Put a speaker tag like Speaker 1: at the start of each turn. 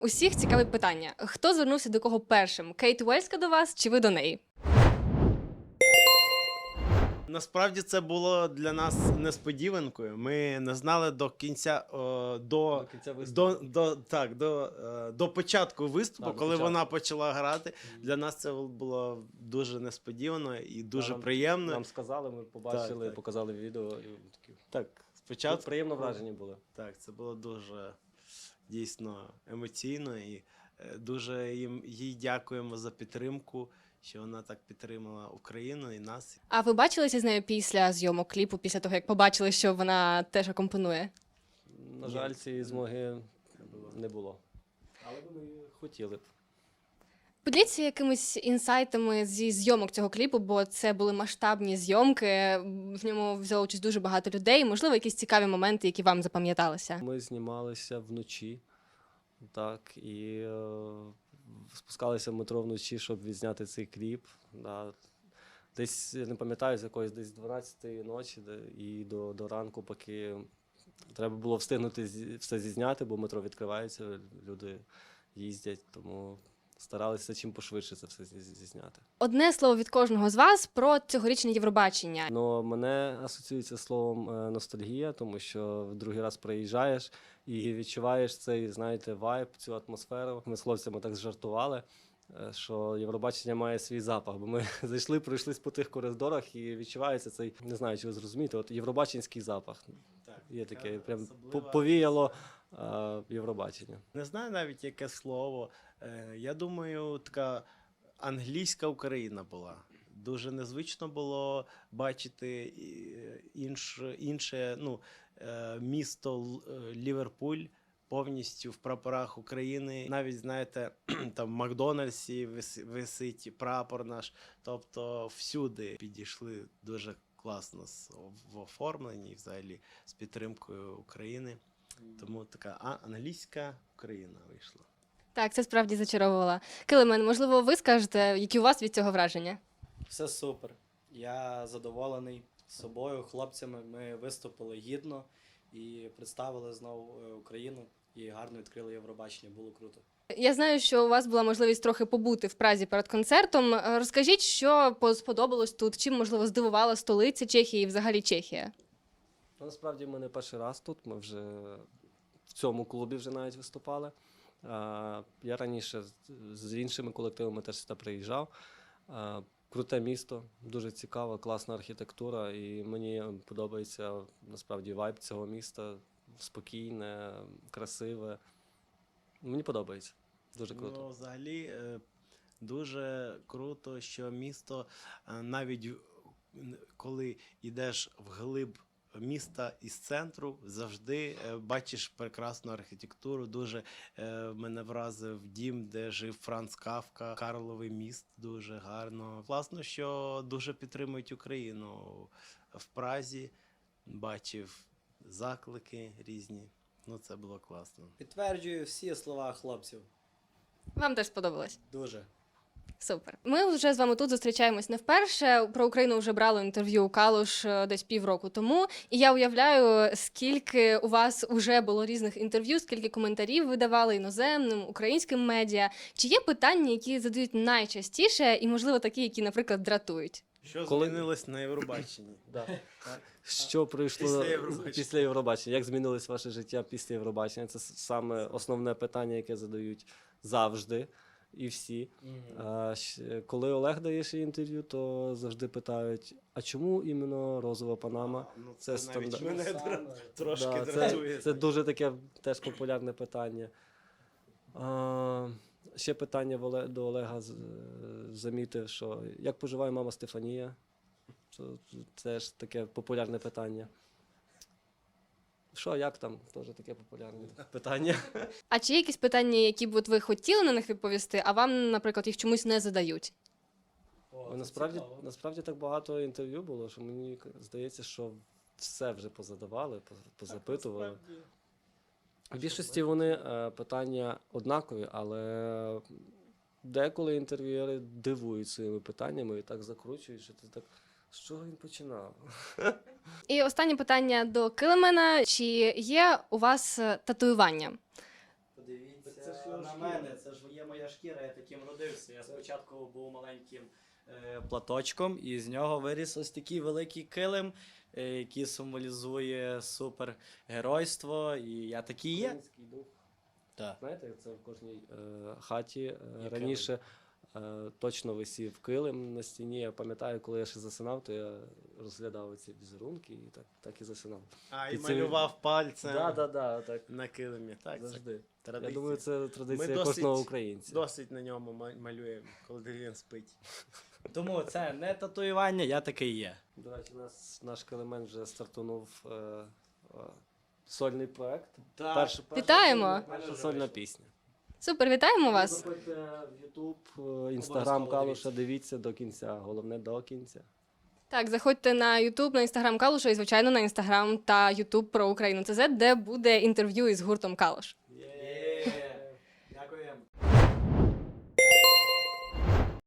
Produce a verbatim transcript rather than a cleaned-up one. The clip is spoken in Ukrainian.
Speaker 1: Усіх цікаве питання. Хто звернувся до кого першим? Кейт Уельська до вас чи ви до неї?
Speaker 2: Насправді це було для нас несподіванкою. Ми не знали до кінця, о, до,
Speaker 3: До кінця
Speaker 2: до,
Speaker 3: виступу.
Speaker 2: до, так, до, е, до початку виступу,
Speaker 3: Так, до
Speaker 2: коли
Speaker 3: початку.
Speaker 2: вона почала грати. Для нас це було дуже несподівано і дуже
Speaker 3: Нам-
Speaker 2: приємно.
Speaker 3: Нам сказали, ми побачили,
Speaker 2: Так, так.
Speaker 3: показали відео. І такі.
Speaker 2: Так,
Speaker 3: Тут
Speaker 2: спочатку
Speaker 3: приємно вражені були.
Speaker 2: Так, це було дуже дійсно емоційно і е, дуже їм, їй дякуємо за підтримку, що вона так підтримала Україну і нас.
Speaker 1: А ви бачилися з нею після зйомок кліпу, після того, як побачили, що вона теж акомпонує?
Speaker 3: На
Speaker 2: Ні.
Speaker 3: жаль, цієї змоги
Speaker 2: було.
Speaker 3: не було. Але вони хотіли б.
Speaker 1: Поділіться якимись інсайтами зі зйомок цього кліпу, бо це були масштабні зйомки, в ньому взяло участь дуже багато людей. Можливо, якісь цікаві моменти, які вам запам'яталися?
Speaker 3: Ми знімалися вночі, так, і е, спускалися в метро вночі, щоб відзняти цей кліп. Да. Десь, я не пам'ятаю, з якоїсь десь дванадцятої ночі де, і до, до ранку, поки треба було встигнути зі- все зізняти, бо метро відкривається, люди їздять, тому старалися чим пошвидше це все зі- зізняти.
Speaker 1: Одне слово від кожного з вас про цьогорічне Євробачення.
Speaker 3: Но мене асоціюється словом е, ностальгія, тому що в другий раз приїжджаєш і відчуваєш цей, знаєте, вайб, цю атмосферу. Ми з хлопцями так зжартували, е, що Євробачення має свій запах, бо ми зайшли, пройшлись по тих коридорах і відчувається цей, не знаю, чи ви зрозумієте, от євробаченський запах.
Speaker 2: Так,
Speaker 3: Є таке,
Speaker 2: така
Speaker 3: прям
Speaker 2: особлива
Speaker 3: по- повіяло е, Євробачення.
Speaker 2: Не знаю навіть яке слово. Е, Я думаю, така англійська Україна була. Дуже незвично було бачити і- інш, інше ну, е, місто Л- е, Ліверпуль повністю в прапорах України. Навіть, знаєте, там в Макдональдсі вис- висить прапор наш. Тобто всюди підійшли дуже класно з- в оформленні, і взагалі з підтримкою України. Тому така а, англійська Україна вийшла.
Speaker 1: Так, це справді зачаровувало. Килимен, можливо, ви скажете, які у вас від цього враження?
Speaker 4: Все супер. Я задоволений собою, хлопцями. Ми виступили гідно і представили знову е, Україну і гарно відкрили Євробачення. Було круто.
Speaker 1: Я знаю, що у вас була можливість трохи побути в Празі перед концертом. Е, Розкажіть, що по- сподобалось тут, чим, можливо, здивувала столиця Чехії і взагалі Чехія?
Speaker 3: Ну, насправді ми не перший раз тут, ми вже в цьому клубі вже навіть виступали. А, Я раніше з- з іншими колективами теж сюди приїжджав. А, Круте місто, дуже цікава, класна архітектура, і мені подобається насправді вайб цього міста. Спокійне, красиве. Мені подобається. Дуже круто.
Speaker 2: Ну, взагалі, е, дуже круто, що місто е, навіть в- н- коли йдеш вглиб міста із центру, завжди е, бачиш прекрасну архітектуру. Дуже е, мене вразив дім, де жив Франц Кафка, Карловий міст, дуже гарно. Класно, що дуже підтримують Україну в Празі. Бачив заклики різні. Ну, це було класно.
Speaker 4: Підтверджую всі слова хлопців.
Speaker 1: Вам теж сподобалось?
Speaker 4: Дуже.
Speaker 1: Супер. Ми вже з вами тут зустрічаємось не вперше. Про Україну вже брали інтерв'ю у Калуш е, десь півроку тому. І я уявляю, скільки у вас вже було різних інтерв'ю, скільки коментарів ви давали іноземним, українським медіа. Чи є питання, які задають найчастіше, і, можливо, такі, які, наприклад, дратують?
Speaker 2: Що
Speaker 3: Коли-
Speaker 2: змінилось на Євробаченні?
Speaker 3: Да.
Speaker 2: Так.
Speaker 3: Що прийшло
Speaker 2: Після
Speaker 3: після
Speaker 2: Євробачення.
Speaker 3: Євробачення? після Євробачення? Як змінилось ваше життя після Євробачення? Це с- саме основне питання, яке задають завжди і всі. А, щ- коли Олег дає ще інтерв'ю, то завжди питають: а чому іменно розова панама?
Speaker 2: Ну,
Speaker 3: Це
Speaker 2: це навіть
Speaker 3: стандарт.
Speaker 2: мене дра- трошки
Speaker 3: Да, це,
Speaker 2: дратує.
Speaker 3: це дуже таке теж популярне питання. А, ще питання в Оле- до Олега з- замітив, що як поживає мама Стефанія? Це теж таке популярне питання. Що, як там? Теж таке популярне питання.
Speaker 1: А чи є якісь питання, які б от ви хотіли на них відповісти, а вам, наприклад, їх чомусь не задають?
Speaker 4: О,
Speaker 3: Бо
Speaker 4: це
Speaker 3: насправді,
Speaker 4: цікаво.
Speaker 3: насправді так багато інтерв'ю було, що мені к- здається, що все вже позадавали, поз- позапитували. В більшості вони е, питання однакові, але деколи інтерв'юери дивують своїми питаннями і так закручують, що ти так. З чого він починав?
Speaker 1: І останнє питання до Килимена. Чи є у вас е, татуювання?
Speaker 4: Подивіться. на мене, це ж є моя шкіра, я таким родився. Я спочатку був маленьким е, платочком, і з нього виріс ось такий великий килим, е, який символізує супергеройство, і я такий є.
Speaker 3: Український дух.
Speaker 4: Так.
Speaker 3: Знаєте, як це в кожній е, хаті е,
Speaker 4: Є
Speaker 3: раніше е, точно висів килим на стіні. Я пам'ятаю, коли я ще засинав, то я розглядав ці візерунки і так, так і засинав.
Speaker 2: А, і
Speaker 3: Під цим-
Speaker 2: малював пальцем
Speaker 3: Так, так, так, так.
Speaker 2: на килимі. Так, це
Speaker 3: Завжди.
Speaker 2: традиція.
Speaker 3: Я думаю, це традиція
Speaker 2: Ми досить-
Speaker 3: кожного українця.
Speaker 2: Досить на ньому ма- малюємо, коли він спить.
Speaker 4: Тому це не татуювання, я такий є.
Speaker 3: До речі, нас, наш килимент вже стартунув е, е, сольний проект.
Speaker 4: Так.
Speaker 3: Перша, перша
Speaker 1: Вітаємо!
Speaker 3: сольна- Перша сольна пісня.
Speaker 1: Супер, вітаємо вас!
Speaker 3: Заходьте в Ютуб, Інстаграм
Speaker 4: Обов'язково
Speaker 3: Калуша, дивіться до кінця. Головне до кінця.
Speaker 1: Так, заходьте на YouTube, на Instagram Калуша і, звичайно, на Instagram та YouTube про Україну ТЗ, де буде інтерв'ю із гуртом Калуш.
Speaker 4: Є. Дякуємо.